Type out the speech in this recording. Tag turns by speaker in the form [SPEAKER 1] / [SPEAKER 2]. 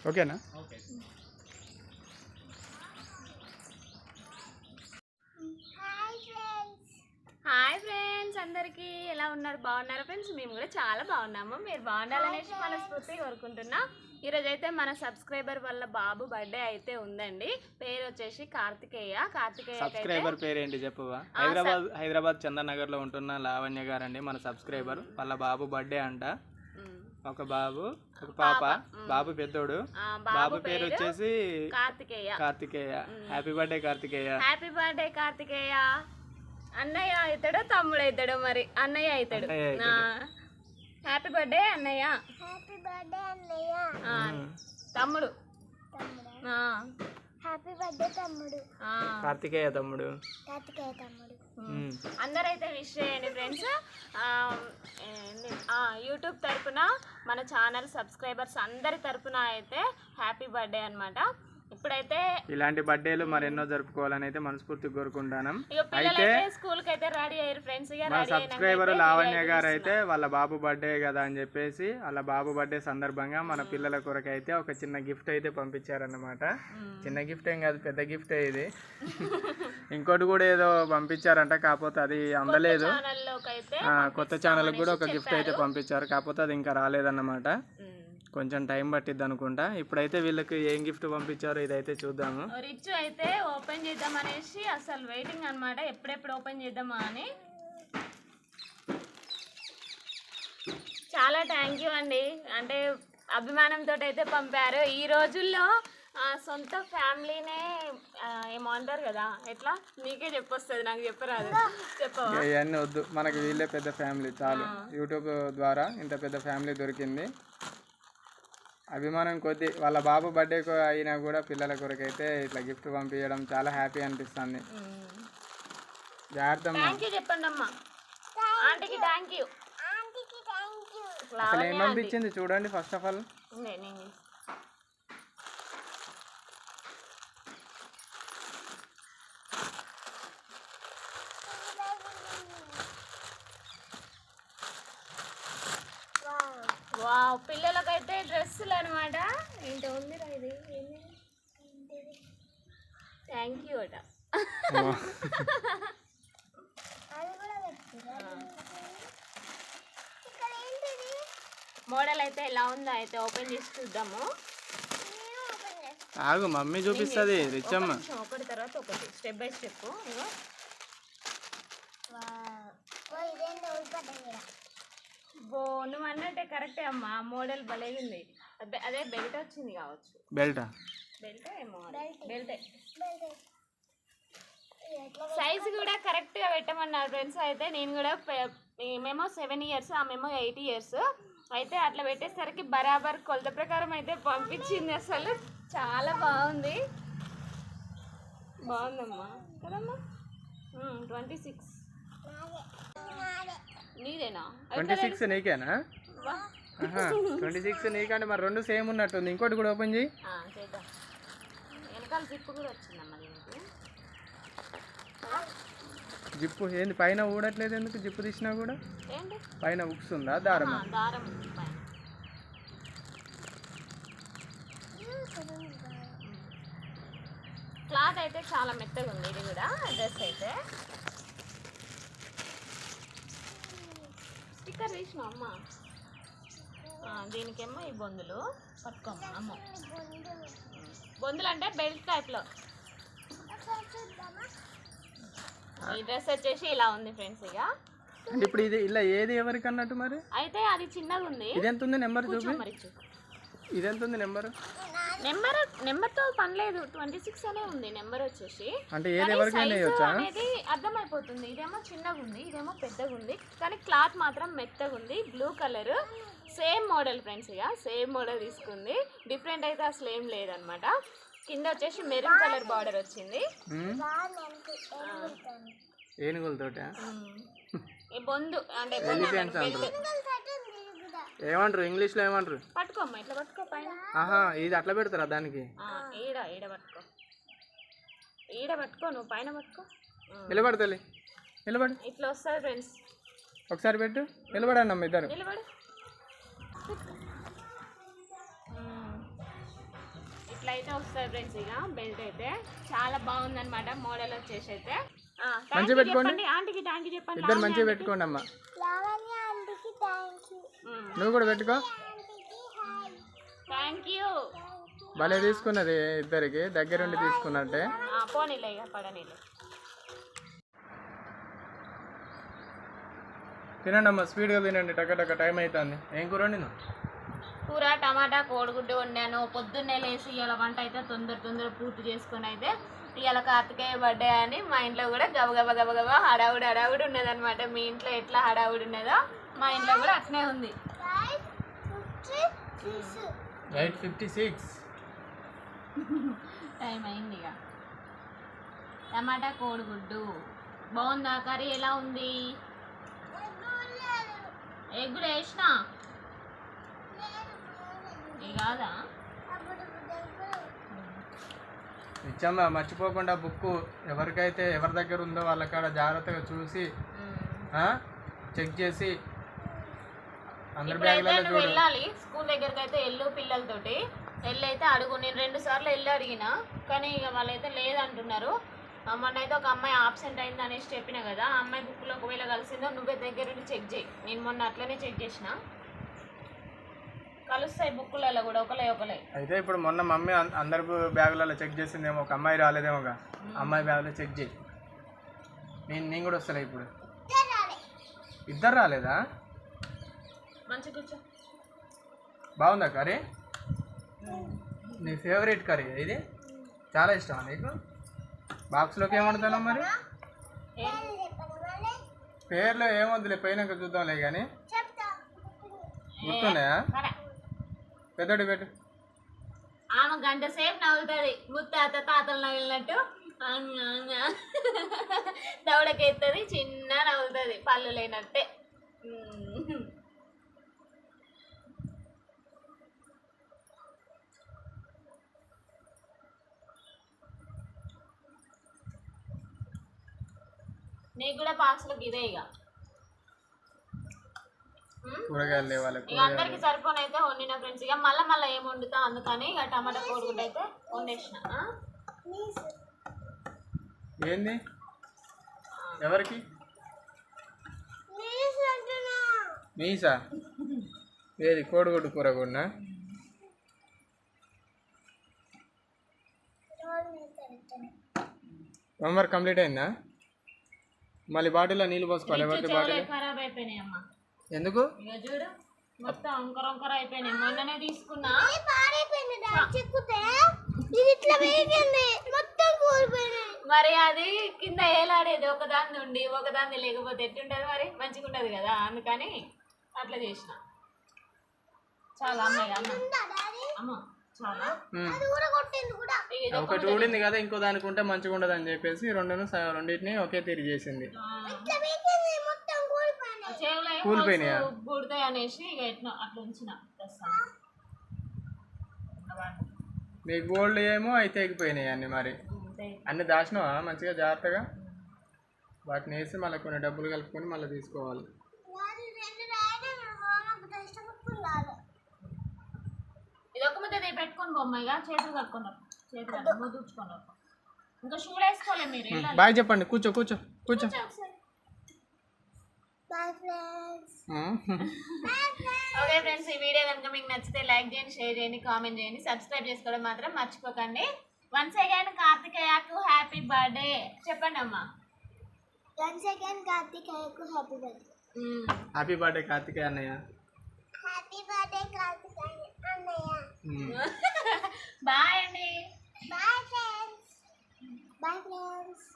[SPEAKER 1] ఓకేనా?
[SPEAKER 2] Hi friends, అందరికీ ఎలా ఉన్నారు? బాగున్నారా ఫ్రెండ్స్? మేము కూడా చాలా బాగున్నాము. మీరు బాగుండాలనేసి మనస్ఫూర్తిగా కోరుకుంటున్నా. ఈరోజు అయితే మన సబ్స్క్రైబర్ వల్ల బాబు బర్త్డే అయితే ఉందండి. పేరు వచ్చేసి కార్తికేయ.
[SPEAKER 1] సబ్స్క్రైబర్ పేరు ఏంటి చెప్పవా? హైదరాబాద్ చందనగర్ లో ఉంటున్న లావణ్య గారండి మన సబ్స్క్రైబర్. వాళ్ళ బాబు బర్త్డే అంట. ఒక బాబు ఒక పాప. బాబు పెద్దోడు. బాబు పేరు వచ్చేసి Karthikeya. Happy birthday Karthikeya.
[SPEAKER 2] Happy birthday Karthikeya. అన్నయ్య అవుతాడో తమ్ముడు అవుతాడో మరి. అన్నయ్య అవుతాడు. హ్యాపీ బర్త్డే అన్నయ్య. తమ్ముడు
[SPEAKER 3] హ్యాపీ బర్త్డే తమ్ముడు.
[SPEAKER 1] కార్తికేయ తమ్ముడు.
[SPEAKER 2] అందరైతే విష్ చేయండి ఫ్రెండ్స్. యూట్యూబ్ తరపున మన ఛానల్ సబ్స్క్రైబర్స్ అందరి తరపున అయితే హ్యాపీ బర్త్డే అన్నమాట. ఇప్పుడైతే
[SPEAKER 1] ఇలాంటి బర్త్డేలు మరెన్నో జరుపుకోవాలని అయితే మనస్ఫూర్తిగా కోరుకుంటాను.
[SPEAKER 2] అయితే స్కూల్ కి అయితే రెడీ అయ్యారు ఫ్రెండ్స్.
[SPEAKER 1] మా సబ్స్క్రైబర్ లావణ్య గారు అయితే వాళ్ళ బాబు బర్త్డే కదా అని చెప్పేసి వాళ్ళ బాబు బర్త్డే సందర్భంగా మన పిల్లల కొరకు అయితే ఒక చిన్న గిఫ్ట్ అయితే పంపించారన్నమాట. చిన్న గిఫ్ట్ ఏం కాదు, పెద్ద గిఫ్టే ఇది. ఇంకోటి కూడా ఏదో పంపించారంట, కాకపోతే అది అందలేదు. కొత్త ఛానల్ కూడా ఒక గిఫ్ట్ అయితే పంపించారు, కాకపోతే అది ఇంకా రాలేదన్నమాట. కొంచెం టైం పట్టిద్ది అనుకుంటా. ఇప్పుడైతే వీళ్ళకి ఏం గిఫ్ట్ పంపించారో ఇదైతే చూద్దాము.
[SPEAKER 2] రిచ్ అయితే ఓపెన్ చేద్దాం అనేసి అసలు వెయిటింగ్ అన్నమాట, ఎప్పుడెప్పుడు ఓపెన్ చేద్దామా అని. చాలా థ్యాంక్ యూ అండి, అంటే అభిమానంతో అయితే పంపారు. ఈ రోజుల్లో సొంత ఫ్యామిలీనే ఏమో అంటారు కదా, ఎట్లా నీకే చెప్పొస్తుంది, నాకు చెప్పరాదు. చెప్పవా?
[SPEAKER 1] ఇవన్నీ వద్దు, మనకి వీళ్ళే పెద్ద ఫ్యామిలీ చాలు. యూట్యూబ్ ద్వారా ఇంత పెద్ద ఫ్యామిలీ దొరికింది. అభిమానం కొద్ది వాళ్ళ బాబు బర్త్డే అయినా కూడా పిల్లల కొరకు అయితే ఇట్లా గిఫ్ట్ పంపించడం చాలా హ్యాపీ అనిపిస్తుంది. జాగ్రత్త
[SPEAKER 2] చెప్పండి అమ్మా. ఆంటీకి థ్యాంక్ యూ.
[SPEAKER 1] అసలు ఏం పంపించింది చూడండి ఫస్ట్ ఆఫ్ ఆల్.
[SPEAKER 2] వావ్, పిల్లలకైతే డ్రెస్సులు అనమాట. ఏంటో ఉందిరా ఇది. థ్యాంక్ యూ అట. మోడల్ అయితే ఎలా ఉందో అయితే ఓపెన్ చేసి చూద్దాము.
[SPEAKER 1] ఆగు, మమ్మీ చూపిస్తుంది. రిచమ్మ
[SPEAKER 2] ఒకటి తర్వాత ఒకటి స్టెప్ బై స్టెప్. నువ్వు అన్నట్టే కరెక్టే అమ్మా, మోడల్ భలేగా ఉంది. అదే బెల్ట్ వచ్చింది కావచ్చు.
[SPEAKER 1] బెల్ట్
[SPEAKER 2] ఏమో, బెల్టే. సైజు కూడా కరెక్ట్గా పెట్టమన్నారు ఫ్రెండ్స్. అయితే నేను కూడా మేము 7 years, ఆమెమో 8 years అయితే అట్లా పెట్టేసరికి బరాబర్ కొలత ప్రకారం అయితే పంపించింది. అసలు చాలా బాగుంది. బాగుందమ్మా కదమ్మా. 26 నీదేనా?
[SPEAKER 1] 26 నీకేనా? 26 నీకంటే మరి రెండు సేమ్ ఉన్నట్టుంది. ఇంకోటి కూడా ఓపెన్ చేయి.
[SPEAKER 2] వెనకాల జిప్పు కూడా వచ్చిందమ్మా దీనికి.
[SPEAKER 1] జిప్పు ఏంది పైన ఊడట్లేదు ఎందుకు? జిప్పు తీసినా కూడా
[SPEAKER 2] ఏంటి
[SPEAKER 1] పైన ఉక్స్ ఉందా? దారం
[SPEAKER 2] ఉంది పైన. క్లాత్ అయితే చాలా మెత్తగా ఉంది. ఇది కూడా డ్రెస్ అయితే స్టిక్కర్ తీసిన అమ్మ. దీనికేమో ఈ బొందులు పట్టుకోమ్మ. అమ్మ బొందులు అంటే బెల్ట్ టైప్లో. ఈ డ్రెస్ వచ్చేసి ఇలా ఉంది ఫ్రెండ్స్. ఇక
[SPEAKER 1] అంటే ఇప్పుడు ఇది ఇలా ఏది ఎవరికి అన్నట్టు మరి?
[SPEAKER 2] అయితే అది చిన్నగా ఉంది.
[SPEAKER 1] ఇది ఎంత ఉంది నెంబర్ చూపి? ఇది ఎంత ఉంది
[SPEAKER 2] నెంబర్తో పని లేదు. 26 అనే ఉంది నెంబర్ వచ్చేసి.
[SPEAKER 1] అంటే ఏది ఎవరికైనా
[SPEAKER 2] అనేది అర్థమైపోతుంది. ఇదేమో చిన్నగా ఉంది, ఇదేమో పెద్దగా ఉంది, కానీ క్లాత్ మాత్రం మెత్తగా ఉంది. Blue colour same model friends. ఇక సేమ్ మోడల్ తీసుకుంది. డిఫరెంట్ అయితే అసలు ఏం లేదనమాట. కింద వచ్చేసి మెరూన్ కలర్ బార్డర్ వచ్చింది.
[SPEAKER 1] ఏనుగులతోట
[SPEAKER 2] ఈ బొందు అంటే
[SPEAKER 1] ఏమంటారు ఇంగ్లీష్లో ఏమంటారు?
[SPEAKER 2] పట్టుకోమ్మా, ఇట్లా పట్టుకో పైన.
[SPEAKER 1] ఇది అట్లా పెడతారా దానికి?
[SPEAKER 2] ఈడ పట్టుకో, ఈడ పట్టుకో, నువ్వు పైన పట్టుకో.
[SPEAKER 1] నిలబడతలే, నిలబడు.
[SPEAKER 2] ఇట్లా వస్తుంది ఫ్రెండ్స్.
[SPEAKER 1] ఒకసారి పెట్టు. నిలబడండి అమ్మ ఇద్దరు.
[SPEAKER 2] నిలబడు. అట్లా అయితే వస్తుంది ఫ్రెండ్స్. ఇక బెల్ట్ అయితే చాలా బాగుందన్నమాట మోడల్ వచ్చేసి అయితే.
[SPEAKER 1] మంచిగా పెట్టుకోండి.
[SPEAKER 2] చెప్పండి ఆంటీకి థ్యాంక్ యూ చెప్పండి.
[SPEAKER 1] ఇద్దరు మంచిగా పెట్టుకోండి అమ్మ. నువ్వు కూడా పెట్టుకో.
[SPEAKER 2] Thank you.
[SPEAKER 1] భలే తీసుకున్నది, ఇద్దరికి దగ్గరుండి తీసుకున్నట్టే.
[SPEAKER 2] పోనీలే ఇక పడనీలే.
[SPEAKER 1] తినండి అమ్మ, స్పీడ్గా తినండి, టక టైం అవుతుంది. ఏం కూర వండినా?
[SPEAKER 2] కూర టమాటా కోడిగుడ్డు వండాను. పొద్దున్నే లేచి ఇవాళ వంట అయితే తొందర పూర్తి చేసుకొని అయితే ఇవాళ కార్తికేయ బర్త్డే అని మా ఇంట్లో కూడా గబగబా హడావుడి ఉన్నదన్నమాట. మీ ఇంట్లో ఎట్లా హడావుడి ఉన్నదో మా ఇంట్లో కూడా అట్నే ఉంది.
[SPEAKER 1] 8:56
[SPEAKER 2] టైం అయింది. ఇక టమాటా కోడిగుడ్డు బాగుందా? కర్రీ ఎలా ఉంది? ఎగ్ కూడా వేసినా కాదా?
[SPEAKER 1] ఇచ్చమ్మా, మర్చిపోకుండా బుక్ ఎవరికైతే ఎవరి దగ్గర ఉందో వాళ్ళకాడ జాగ్రత్తగా చూసి చెక్ చేసి అందరి బ్యాగ్లలో
[SPEAKER 2] వెళ్ళాలి. స్కూల్ దగ్గరికి అయితే ఎల్లు పిల్లలతోటి అయితే అడుగు. నేను 2 సార్లు వెళ్ళి అడిగినా కానీ ఇక వాళ్ళైతే లేదంటున్నారు. మొన్న అయితే ఒక అమ్మాయి ఆబ్సెంట్ అయింది అనేసి చెప్పిన కదా, ఆ అమ్మాయి బుక్లో ఒకవేళ కలిసిందో నువ్వే దగ్గరుండి చెక్ చేయి. నేను మొన్న అట్లనే చెక్ చేసిన, కలుస్తాయి బుక్కులలో కూడా ఒకలే.
[SPEAKER 1] అయితే ఇప్పుడు మొన్న మమ్మీ అందరి బ్యాగులలో చెక్ చేసిందేమో, ఒక అమ్మాయి రాలేదేమోగా, అమ్మాయి బ్యాగులో చెక్ చేయి. నేను కూడా వస్తలే. ఇప్పుడు ఇద్దరు రాలేదా?
[SPEAKER 2] మంచి కూర్చో.
[SPEAKER 1] బాగుందా కర్రీ? నీ ఫేవరెట్ కర్రీ ఇది? చాలా ఇష్టమా నీకు? బాక్స్లోకి ఏమంటాను మరి? పేర్లో ఏమొద్దులే, పోయినాక చూద్దాంలే. కానీ గుర్తున్నాయా? పెద్దడి పెట్టు.
[SPEAKER 2] ఆమె గంట సేపు నవ్వుతుంది, తాతలు నవ్వినట్టు దవడకెత్తది, చిన్న నవ్వుతుంది, పళ్ళు లేనట్టే. నీకు కూడా బాక్స్లోకి ఇదే ఇక
[SPEAKER 1] కూరగాయలు లేవాలి.
[SPEAKER 2] ఇక అందరికి సరిపోని అయితే వండిన ఫ్రెండ్స్. ఇక మళ్ళీ ఏం వండుతా అందుకని ఇక టమాటా కోడిగుడ్డు అయితే వండేసిన.
[SPEAKER 1] ఏంది ఎవరికి? మీసా? ఏది కోడిగుడ్డు కూర కూడా? హోంవర్క్ కంప్లీట్ అయిందా? మళ్ళీ బాటిల్లో నీళ్ళు పోసుకోవాలి. ఎవరికి బాటిల్
[SPEAKER 2] ఖరాబ్ అయిపోయినాయి అమ్మ.
[SPEAKER 1] ఎందుకు?
[SPEAKER 2] ఇక చూడు మొత్తం వంకర అయిపోయినాయి. మొన్ననే తీసుకున్నా, మరి అది కింద ఏలాడేది ఒకదాని నుండి ఒకదాన్ని లేకపోతే ఎట్టుంటది మరి? మంచిగా ఉండదు కదా, అందుకని అట్లా చేసిన. చాలా అమ్మాయి అమ్మ చాలా
[SPEAKER 1] ఒకటి ఊడింది కదా, ఇంకో దానికి ఉంటే మంచిగా ఉండదు అని చెప్పేసి రెండింటిని ఒకే తీరి చేసింది. కూలిపోయినాయా?
[SPEAKER 2] గుడతాయి అనేసి ఇక ఎట్లా అట్లా ఉంచిన.
[SPEAKER 1] మీ గోల్డ్ ఏమో అయితే ఎగిపోయినాయి అన్ని. మరి అన్ని దాచినావా మంచిగా జాగ్రత్తగా? వాటిని వేసి మళ్ళీ కొన్ని డబ్బులు కలుపుకొని మళ్ళీ తీసుకోవాలి.
[SPEAKER 2] ఇది ఒక ముద్ద పెట్టుకొని బొమ్మగా చేతులు కట్టుకున్నారు, చేతులు ముద్దుకున్నారు. ఇంకా షూలు వేసుకోలేదు మీరు.
[SPEAKER 1] బాయ్ చెప్పండి. కూర్చో.
[SPEAKER 2] ఓకే ఫ్రెండ్స్, ఈ వీడియో కనుక మీకు నచ్చితే లైక్ చేయండి, షేర్ చేయండి, కామెంట్ చేయండి, సబ్స్క్రైబ్ చేసుకోవడం మాత్రం మర్చిపోకండి. వన్స్ అగైన్ కార్తికేయకు హ్యాపీ బర్త్డే చెప్పండి అమ్మా.
[SPEAKER 3] వన్స్ అగైన్ కార్తికేయకు happy birthday.
[SPEAKER 1] Happy birthday Karthikeya అన్నయ్య.
[SPEAKER 3] హ్యాపీ బర్త్డే కార్తికేయ అన్నయ్య.
[SPEAKER 2] బాయ్ అండి.
[SPEAKER 3] Bye friends.